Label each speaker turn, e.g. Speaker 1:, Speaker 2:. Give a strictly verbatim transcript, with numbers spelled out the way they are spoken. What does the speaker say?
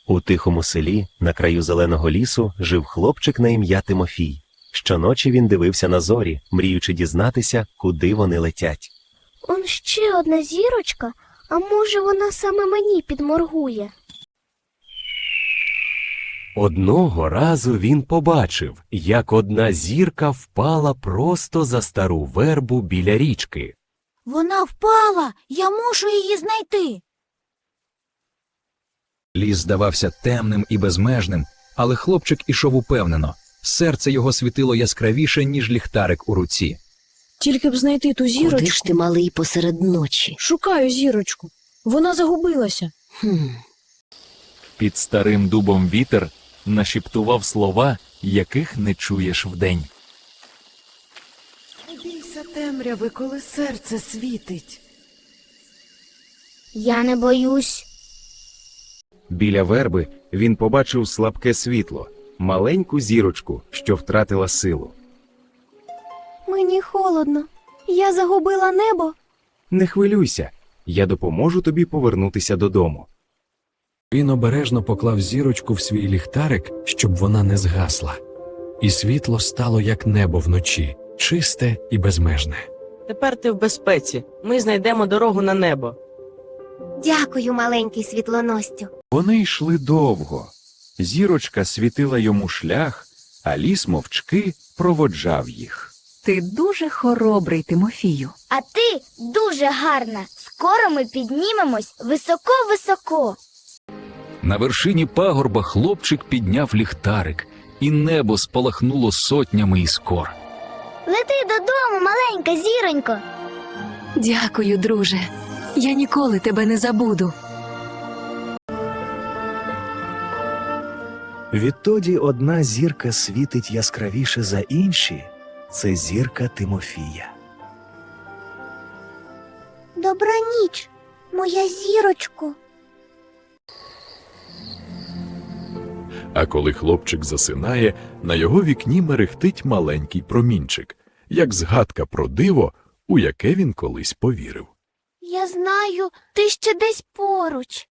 Speaker 1: У тихому селі, на краю зеленого лісу, жив хлопчик на ім'я Тимофій. Щоночі він дивився на зорі, мріючи дізнатися, куди вони летять.
Speaker 2: Он ще одна зірочка, а може вона саме мені підморгує?
Speaker 1: Одного разу він побачив, як одна зірка впала просто за стару вербу біля річки.
Speaker 3: Вона впала! Я мушу її знайти!
Speaker 4: Ліс здавався темним і безмежним, але хлопчик ішов упевнено. Серце його світило яскравіше, ніж ліхтарик у руці.
Speaker 5: Тільки б знайти ту зірочку.
Speaker 6: Куди ж ти, малий, посеред ночі?
Speaker 5: Шукаю зірочку. Вона загубилася.
Speaker 6: Хм.
Speaker 7: Під старим дубом вітер нашіптував слова, яких не чуєш вдень.
Speaker 8: Не бійся темряви, коли серце світить.
Speaker 2: Я не боюсь.
Speaker 9: Біля верби він побачив слабке світло, маленьку зірочку, що втратила силу.
Speaker 2: Мені холодно. Я загубила небо.
Speaker 9: Не хвилюйся, я допоможу тобі повернутися додому.
Speaker 10: Він обережно поклав зірочку в свій ліхтарик, щоб вона не згасла. І світло стало як небо вночі, чисте і безмежне.
Speaker 11: Тепер ти в безпеці. Ми знайдемо дорогу на небо.
Speaker 2: Дякую, маленький світлоностю.
Speaker 7: Вони йшли довго. Зірочка світила йому шлях, а ліс мовчки проводжав їх.
Speaker 3: Ти дуже хоробрий, Тимофію.
Speaker 2: А ти дуже гарна. Скоро ми піднімемось високо-високо.
Speaker 4: На вершині пагорба хлопчик підняв ліхтарик, і небо спалахнуло сотнями іскор.
Speaker 2: Лети додому, маленька зіронько.
Speaker 3: Дякую, друже. Я ніколи тебе не забуду.
Speaker 12: Відтоді одна зірка світить яскравіше за інші – це зірка Тимофія.
Speaker 2: Добра ніч, моя зірочко.
Speaker 7: А коли хлопчик засинає, на його вікні мерехтить маленький промінчик, як згадка про диво, у яке він колись повірив.
Speaker 2: Я знаю, ти ще десь поруч.